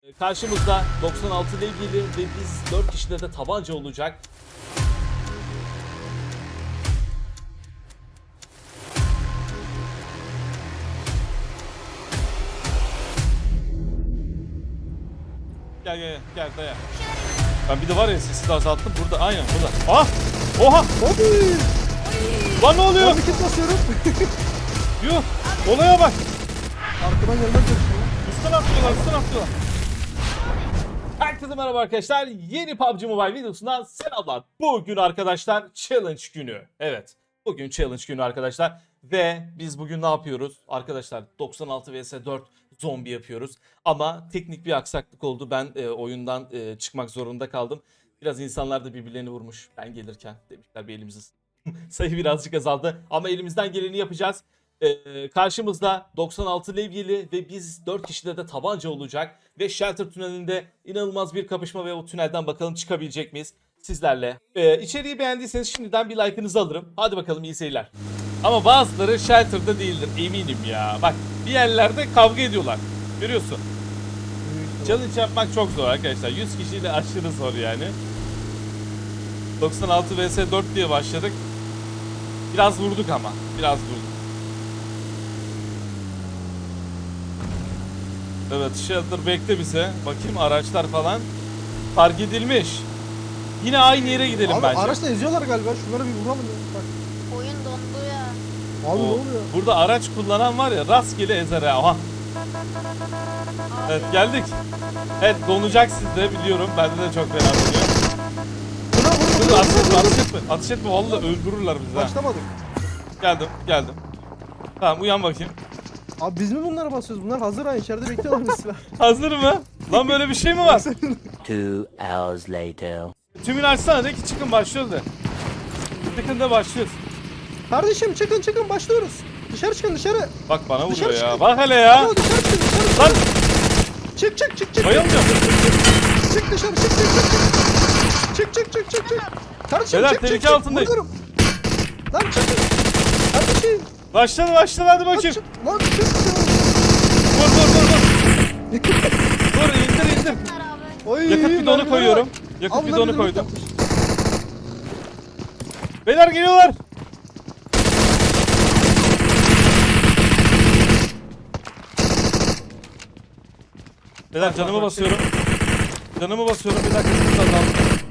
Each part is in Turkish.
Karşımızda 96 ile ilgili ve biz 4 kişide de tabanca olacak. Gel daya. Ben bir de var ya sesi de azalttım burada, aynen burada. Ah! Oha! Lan ne oluyor? Ben bir kit basıyorum. Yuh! Olaya bak! Arkadan gelmez çalışıyor. Üstten atlıyorlar. Herkese merhaba arkadaşlar. Yeni PUBG Mobile videosundan selamlar. Bugün arkadaşlar challenge günü. Evet. Bugün challenge günü arkadaşlar. Ve biz bugün ne yapıyoruz? Arkadaşlar 96 vs 4 zombi yapıyoruz. Ama teknik bir aksaklık oldu. Ben oyundan çıkmak zorunda kaldım. Biraz insanlar da birbirlerini vurmuş. Ben gelirken demişler bir elimizi sayı birazcık azaldı. Ama elimizden geleni yapacağız. Karşımızda 96 levyeli ve biz 4 kişide de tabanca olacak. Ve Shelter tünelinde inanılmaz bir kapışma ve o tünelden bakalım çıkabilecek miyiz sizlerle. İçeriği beğendiyseniz şimdiden bir like'ınızı alırım. Hadi bakalım, iyi seyirler. Ama bazıları Shelter'da değildir eminim ya. Bak bir yerlerde kavga ediyorlar. Görüyorsun. Challenge yapmak çok zor arkadaşlar. 100 kişiyle aşırı zor yani. 96 vs 4 diye başladık. Biraz vurduk ama. Biraz vurduk. Evet, Shelter bekle bize. Bakayım araçlar falan. Fark edilmiş. Yine aynı yere gidelim Abi bence. araçla eziyorlar galiba. Şunlara bir vuralım ya. Bak. Oyun dondu ya. Abi ne oluyor? Burada araç kullanan var ya, rastgele ezer ha. Aha. Evet, geldik. Evet, donacak sizde biliyorum. Bende de çok fena donuyor. Buna Dur, vur. ateş etme. Ateş etme, vallahi öldürürler bizi ha. Başlamadık. Geldim. Tamam, uyan bakayım. Abi biz mi bunlara basıyoruz? Bunlar hazır ha. İçeride bekliyorlar mesela. Hazır mı? Lan böyle bir şey mi var? 2 hours later. Tümünü açsana, de ki çıkın başlıyoruz de. Çıkın da başlıyoruz. Kardeşim çıkın başlıyoruz. Dışarı çıkın dışarı. Bak bana vuruyor Dışarı ya. çıkın. Bak hele ya. Alo, dışarı çıkın dışarı. Lan Çık. bayılmıyorum. Çık dışarı çık. Kardeşim Beyler, çık. tehlike altındayım. Vuruyorum. Lan çıkın. Kardeşim. Başladı hadi Lan bakayım. çık. Lan çık. Vur. Dur, indir. Bunlar abi. Oy, Yakıt bidonu mermilere koyuyorum. bak. Yakıt Abi bunlar bidonu bizim koydum. yapmış. Beyler geliyorlar. Beyler canımı basıyorum. Bir dakika, sesi azalttım.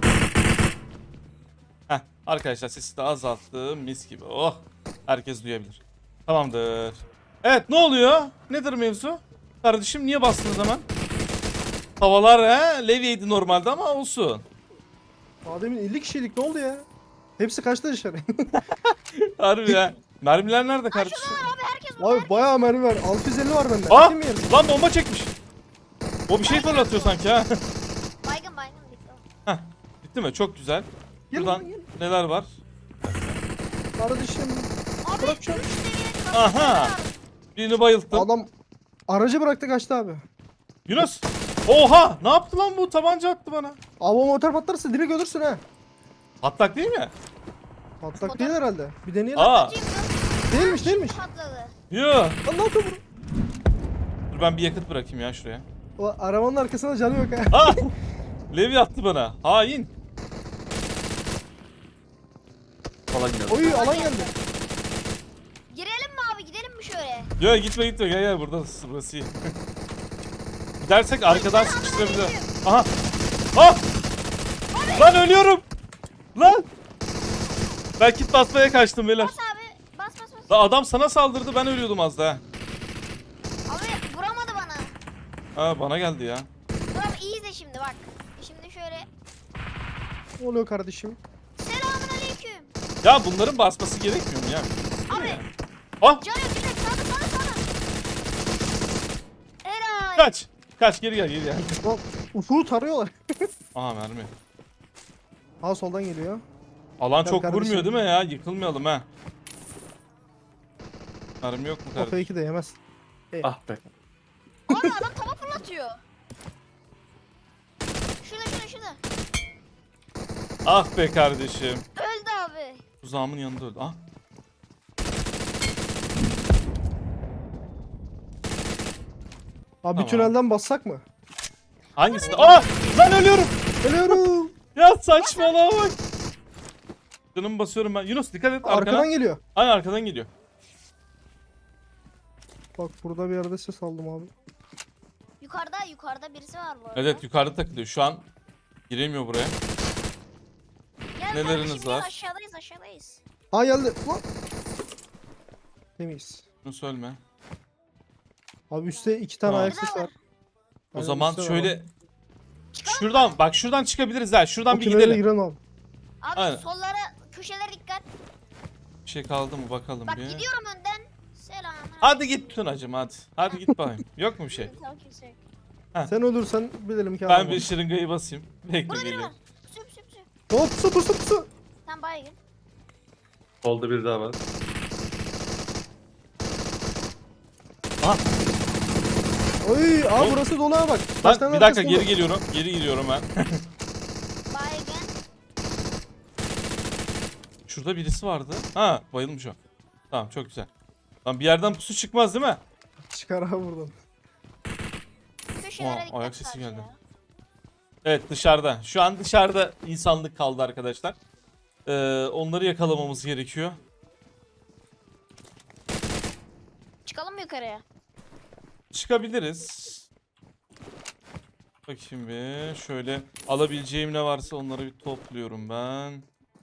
Heh, arkadaşlar sesi de azalttım. Mis gibi. Oh. Herkes duyabilir. Tamamdır. Evet, ne oluyor? Nedir mevzu? Kardeşim niye bastınız hemen? Havalar levyeydi normalde ama olsun. Ademin 50 kişilik ne oldu ya? Hepsi kaçtı dışarı. Harbi ya. Mermiler nerede kardeşim? Abi herkes burada. Abi bayağı mermi var. 650 var bende. Aa! Atayım mı yerine? Lan bomba çekmiş. O bir şey fırlatıyor sanki ha. Baygın bitti. Heh, bitti mi? Çok güzel. Gel Buradan lan, gel. neler var? Kardeşim. Abi Bırak 3 şunu. seviyelik Aha. Birini bayılttım. Adam aracı bıraktı kaçtı abi. Yunus. Oha! Ne yaptı lan bu? Tabanca attı bana. Abi o motor patlarsa direkt ölürsün ha. Patlak değil mi? Patlak değil herhalde. Bir deneyelim. Aa. Değilmiş. patladı. Yo. Lan ne yapıyor bu? Dur ben bir yakıt bırakayım ya şuraya. O arabanın arkasında canı yok ha. Aa! Levi attı bana. Hain. Falan geldi. Oy alan geldi. Girelim mi abi, gidelim mi şöyle? Yo, gitme gel burada burası iyi. Gidersek arkadan sıkıştırabilir. Aha. Ah! Lan ölüyorum. Lan. Ben kit basmaya kaçtım beyler. Bas abi. Bas. Lan adam sana saldırdı, ben ölüyordum az daha. Abi vuramadı bana. Ha, bana geldi ya. Dur abi, iyi izle şimdi bak. Şimdi şöyle. Ne oluyor kardeşim? Selamun aleyküm. Ya bunların basması gerekmiyor mu ya? Abi. Ah! Can yok, direkt sana. Helal. Kaç geri gel. Lan ufuğu tarıyorlar. Aha, mermi. Ha soldan geliyor. Alan Tabii çok kardeşim. vurmuyor değil mi ya? Yıkılmayalım ha. Mermi yok mu O kardeşim? fake'i de yemez. Ah be. Abi adam tava fırlatıyor. Şurada. Ah be kardeşim. Öldü abi. Tuzağımın yanında öldü. Ah. Abi Tamam. tünelden bassak mı? Hangisinde? Aa! Lan ölüyorum. Ölüyorum. Ya saçmalama bak. Canımı basıyorum ben. Yunus dikkat et arkana. Arkadan geliyor. Aynen arkadan geliyor. Bak burada bir yerde ses aldım abi. Yukarıda birisi var bu arada. Evet yukarıda takılıyor. Şu an giremiyor buraya. Gel neleriniz kardeşim, gel, var? aşağıdayız. Aa geldi. Lan. Temiz. Yunus ölme. Abi üstte 2 tane Tamam. ayak sesi var. O Aynen, zaman üstte var şöyle abi. şuradan bak şuradan çıkabiliriz ha. Şuradan O bir tünele gidelim. giren abi. Abi Aynen. sollara, köşelere dikkat. Bir şey kaldı mı bakalım Bak bir. gidiyorum önden. Selam. Hadi git Tunacım hadi. Hadi git bakayım. Yok mu bir şey? Tamam, kimse yok. Sen ölürsen bilelim ki Ben abi. bir şırıngayı basayım. Bekle Burada biri geliyorum. var. Pusu pusu pusu. Hop pusu pusu pusu. Sen baygın. Solda bir daha var. Aha. Oy abi Oğlum. burası dolu ha bak. Kaç Lan tane bir dakika arkası geri dolu. geliyorum. Geri gidiyorum ben. Baygın. Şurada birisi vardı. Ha bayılmış o. Tamam çok güzel. Lan bir yerden pusu çıkmaz değil mi? Çıkar abi buradan. Köşelere Aa, dikkat. ayak sesi sadece geldi. ya. Evet dışarıda. Şu an dışarıda insanlık kaldı arkadaşlar. Onları yakalamamız gerekiyor. Çıkalım mı yukarıya? Çıkabiliriz. Bakayım bir. Şöyle alabileceğim ne varsa onları bir topluyorum ben.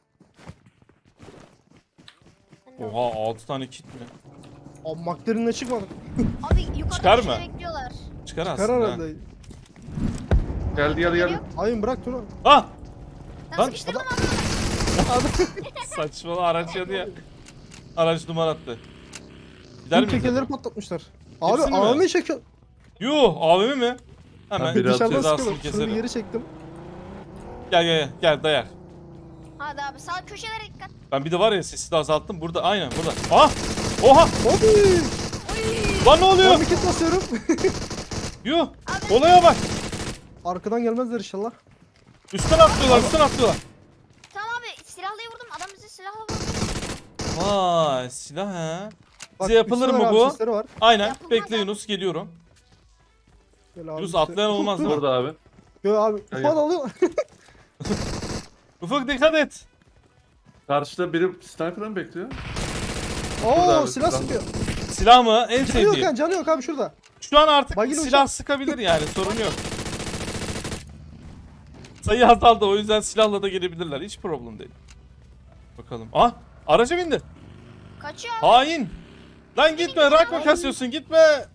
Ben de- Oha 6 tane kit mi? Abi McLaren'le çıkmadı. Abi yukarıda Çıkar köşede mı? bekliyorlar. Çıkar Çıkar aslında. herhalde. Geldi. Hayır bırak Tuna. Ah! Ben Lan, sıkıştırdım Saçmalı araç yanı ya. Araç duman attı. Gider Tüm miyiz? tekerleri acaba? patlatmışlar. Abi Hepsini mi? AVM çekiyor. Yuh AVM mi? Hemen biri Dışarıdan cezasını sıkıyorum. Şunu keselim. geri çektim. Gel dayar. Hadi abi sağ köşelere dikkat. Ben bir de var ya sesi de azalttım. Burada aynen burada. Ah! Oha! Abi. Lan ne oluyor? Ben bir kit basıyorum. Yuh! Abi. Olaya bak. Arkadan gelmezler inşallah. Üstten atlıyorlar. Tamam abi silahlıyı vurdum. Adam bizi silahla vurdu. Vay silah ha. Bak, Bize yapılır üstte mı var abi, bu? sesleri var. Aynen. Yapılmaz Bekle abi. Yunus geliyorum. Gel abi, Yunus üstte. atlayan olmaz değil mi? Burada abi. Yo abi Gel, ufak gel. alıyor. Ufuk dikkat et. Karşıda biri sniper'dan bekliyor. Oo abi, silah şuradan. sıkıyor. Silah mı? En Canı yok sevdiğim. yani canı yok abi şurada. Şu an artık Bagil silah uçak. sıkabilir yani sorun yok. Sayı azaldı o yüzden silahla da gelebilirler. Hiç problem değil. Bakalım. Ah! Araca bindi. Kaçıyor abi. Hain. Lan gitme. Rakma kasıyorsun. Gitme.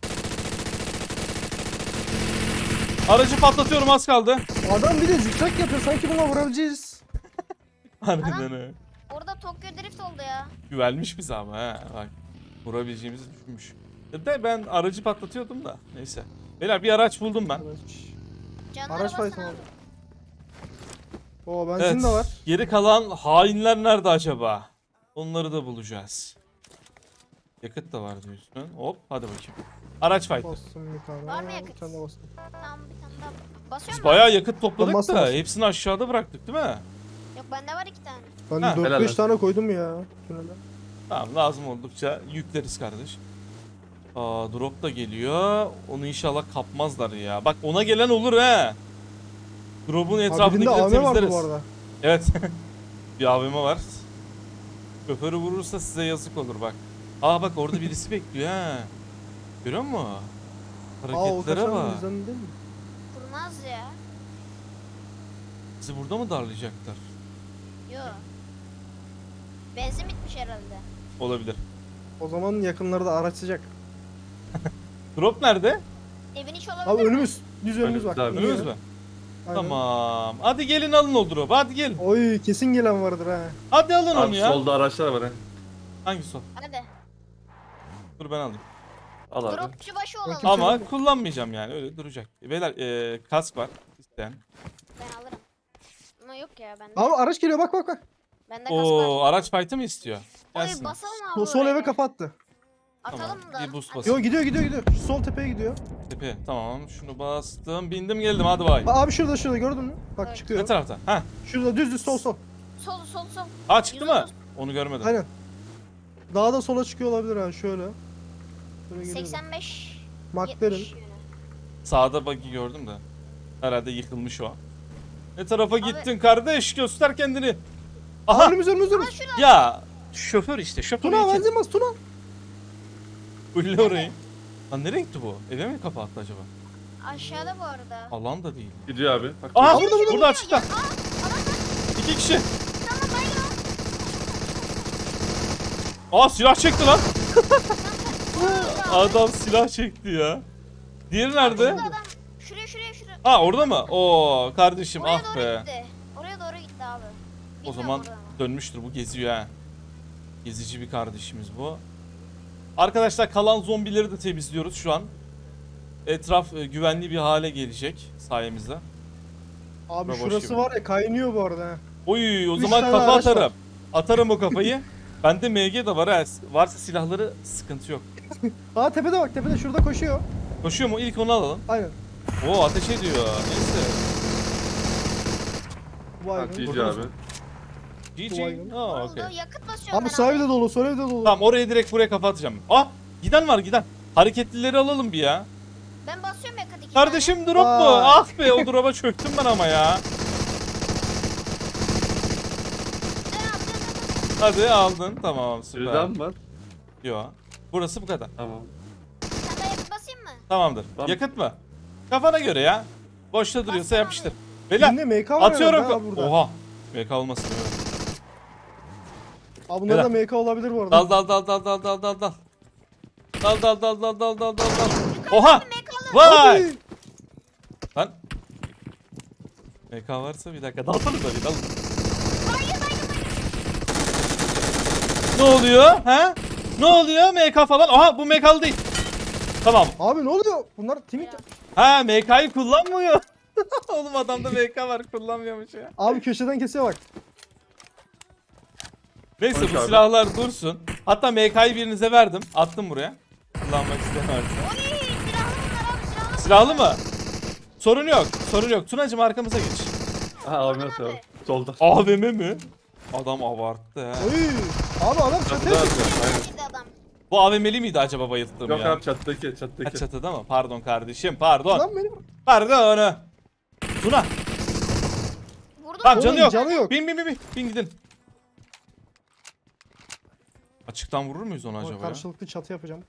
Aracı patlatıyorum az kaldı. Adam bir de zikzak yapıyor sanki buna vurabileceğiz. Harbiden öyle. Orada Tokyo Drift oldu ya. Güvenmiş bize ama ha. Bak. Vurabileceğimizi düşünmüş. De ben aracı patlatıyordum da. Neyse. Beyler bir araç buldum ben. Canlara Araç basın fayton abi. abi. Oo benzin Evet. de var. Geri kalan hainler nerede acaba? Onları da bulacağız. Yakıt da var diyorsun. Hop hadi bakayım. Araç fight. Bastım bir tane. Var mı yakıt? Bir tane de bastım. Tamam bir tane daha. Basıyor Biz mu? bayağı yakıt topladık Ben bastım, da bastım. hepsini aşağıda bıraktık değil mi? Yok bende var 2 tane. Ben Ha, 4-5 helal tane koydum ya. Tünele. Tamam lazım oldukça yükleriz kardeş. Aa drop da geliyor. Onu inşallah kapmazlar ya. Bak ona gelen olur he. Drop'un Abi birinde etrafındakileri AVM vardı bu temizleriz. arada. Evet. Bir AVM var. Şoförü vurursa size yazık olur bak. Aa bak orada birisi bekliyor ha. Görüyor musun? Aa o Hareketlere kaçan bak. bizden değil mi? Kurnaz ya. Bizi burada mı darlayacaklar? Yok. Benzin bitmiş herhalde. Olabilir. O zaman yakınlarda araç sıcak. Drop nerede? Evin içi olabilir Abi mi? önümüz. Düz önümüz bak. Önümüz abi. Önümüz mü? Aynen. Tamam. Hadi gelin alın o drop'u. Hadi gelin. Oy kesin gelen vardır ha. Hadi alın onu Abi ya. solda araçlar var ha. Hangisi o? Hadi. Dur ben alayım. Al abi. Dropçu başı olalım. Kimse Ama yok. kullanmayacağım yani öyle duracak. Beyler kask var. İsteyen. Ben alırım. Ama yok ya bende. Abi araç geliyor bak bak bak. Bende kask Oo var. araç fight'ı mı istiyor? Oy Gelsin. basalım abi Sol, sol oraya. eve kapattı. Atalım Tamam, da. bir boost Hadi. basın. Yo gidiyor. Şu sol tepeye gidiyor. Tepe. Tamam şunu bastım. Bindim geldim hadi bay. Abi şurada gördün mü? Bak Evet. çıkıyor. Ne tarafta? Ha. Şurada düz sol. Sol. Ha çıktı mı? 130. Onu görmedim. Aynen. Daha da sola çıkıyor olabilir ha şöyle. Şöyle geliyor. 85. McLaren. 70 yönü. Sağda bug'i gördüm de. Herhalde yıkılmış o. Ne tarafa gittin kardeş? Göster kendini. Aha. Aha. Önümüz. Ama şurada. Ya şoför işte. Şoför. Tuna benzin bas Tuna. Bulle orayı. Lan ne renkti bu? Eve mi kapattı acaba? Aşağıda bu arada. Alan da değil. Gidiyor abi. Bak, Aha Burada, burada açıkta. Aa, adam var. 2 kişi. Tamam baygın Aa silah çekti lan. o. Adam silah çekti ya. Diğeri nerede? Şurada adam. Şuraya. Ha orada mı? Oo kardeşim Oraya ah doğru be. gitti. Oraya doğru gitti abi. O Bilmiyorum zaman orada mı? dönmüştür, bu geziyor ha. Gezici bir kardeşimiz bu. Arkadaşlar kalan zombileri de temizliyoruz şu an. Etraf güvenli bir hale gelecek sayemizde. Abi Boş şurası gibi. var ya kaynıyor bu arada. Ha. Oy o Üç zaman tane kafa araç var. atarım. Atarım o kafayı. Bende MG de var ha. Varsa silahları sıkıntı yok. Aa tepede bak tepede şurada koşuyor. Koşuyor mu? İlk onu alalım. Aynen. Oo ateş ediyor. Neyse. Vay bak, be. GG abi. GG. Baygın. Aa Oldu. okey. Yakıt basıyorum Abi ben sağ evde dolu sol evde dolu. Tamam oraya direkt buraya kafa atacağım. Ah giden var giden. Hareketlileri alalım bir ya. Ben basıyorum yakıt 2 Kardeşim drop mu? Vay. Ah be o drop'a çöktüm ben ama ya. Hadi aldın. Tamam süper. Birden var. Yo. Burası bu kadar. Tamam. Sen de yakıt basayım mı? Tamamdır. Tamam. Yakıt mı? Kafana göre ya. Boşta duruyorsa Bassana yapıştır. abi. Beyler Yine MK var atıyorum. herhalde ha burada. Oha. MK olmasın. Evet. Abi bunlar da MK olabilir bu arada. Dal dal dal dal dal dal dal dal. Dal dal dal dal dal dal dal dal. Oha. Vay. Hadi. Lan. MK varsa bir dakika dalsanıza bir dalın. Ne oluyor? Ha? Ne oluyor? MK falan. Aha bu MK'lı değil. Tamam. Abi ne oluyor? Bunlar timik. Ha MK'yı kullanmıyor. Oğlum adamda MK var kullanmıyormuş ya. Abi köşeden kesiyor bak. Neyse Konuş bu abi. silahlar dursun. Hatta MK'yı birinize verdim. Attım buraya. Kullanmak isteyen varsa. Oy silahlı bunlar abi silahlı. Silahlı mı? Sorun yok. Sorun yok. Tunacım arkamıza geç. Aha abi nasıl abi? Solda. AVM mi? Adam abarttı ha. Oy. Abi adam Çatıda çatıya atıyor. Aynen. Gitti adam. Bu AVM'li miydi acaba bayılttığım Yok ya? abi çatıdaki Ha, çatıdaki. çatıda mı? Pardon kardeşim pardon. Lan benim. Pardon. Tuna. Vurdum. Tamam canı Oğlum, yok. canı yok. Bin. Bin gidin. Açıktan vurur muyuz onu acaba ya? Karşılıklı çatı yapacağım.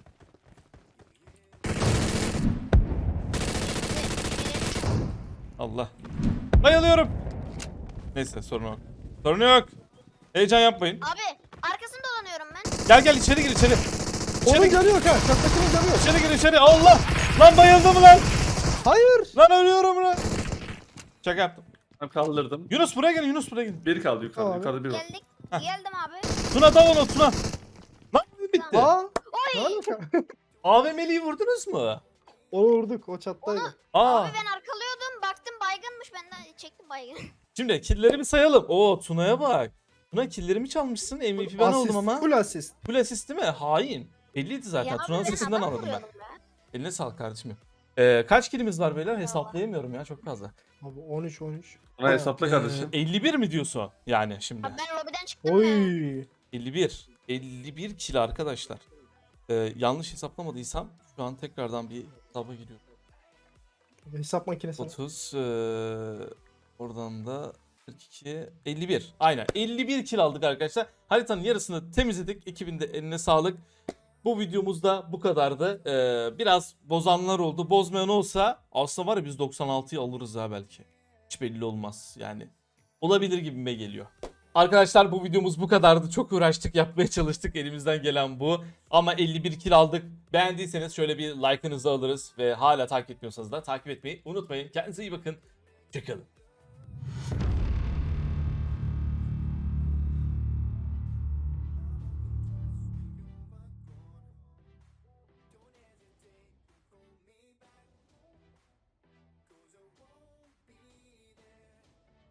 Allah. Bayılıyorum. Neyse sorun yok. Sorun yok. Heyecan yapmayın. Abi arkasını dolanıyorum ben. Gel içeri gir içeri. Onun İçeri, canı yok ha. Çattakinin canı yok. içeri gir içeri. Allah. Lan bayıldım lan. Hayır. Lan ölüyorum lan. Şaka yaptım. Ben kaldırdım. Yunus buraya gelin Yunus buraya gelin. Bir kaldı yukarıda. Tamam. Yukarıda bir var. Geldik. Geldim abi. Tuna dal onu Tuna. Lan bitti. Aa. Oy. Ne alaka? AVM'liyi vurdunuz mu? Onu vurduk. O çattaydı. Aa. Abi ben arkalıyordum. Baktım baygınmış. Ben de çektim baygın. Şimdi killleri bir sayalım. Oo Tuna'ya bak. Tuna killerimi çalmışsın. MVP ben oldum ama. Full assist. Full assist değil mi? Hain. Belliydi zaten. Ya Tuna'nın abi ben sesinden adam anladım ben. vuruyordum ya. Eline sağlık kardeşim. Kaç killimiz var beyler? Hesaplayamıyorum ya çok fazla. Abi 13. Buna hesapla kardeşim. 51 mi diyorsun yani şimdi? Abi ben lobiden çıktım ya. Oy. 51. 51 kill arkadaşlar. Yanlış hesaplamadıysam şu an tekrardan bir hesaba giriyorum. Hesap makinesi. 30 oradan da 42 51. Aynen 51 kill aldık arkadaşlar. Haritanın yarısını temizledik. Ekibin de eline sağlık. Bu videomuzda bu kadardı. Biraz bozanlar oldu. Bozmayan olsa aslında var ya biz 96'yı alırız ha belki. Hiç belli olmaz yani. Olabilir gibime geliyor. Arkadaşlar bu videomuz bu kadardı. Çok uğraştık, yapmaya çalıştık. Elimizden gelen bu. Ama 51 kill aldık. Beğendiyseniz şöyle bir like'ınızı alırız. Ve hala takip etmiyorsanız da takip etmeyi unutmayın. Kendinize iyi bakın. Hoşçakalın.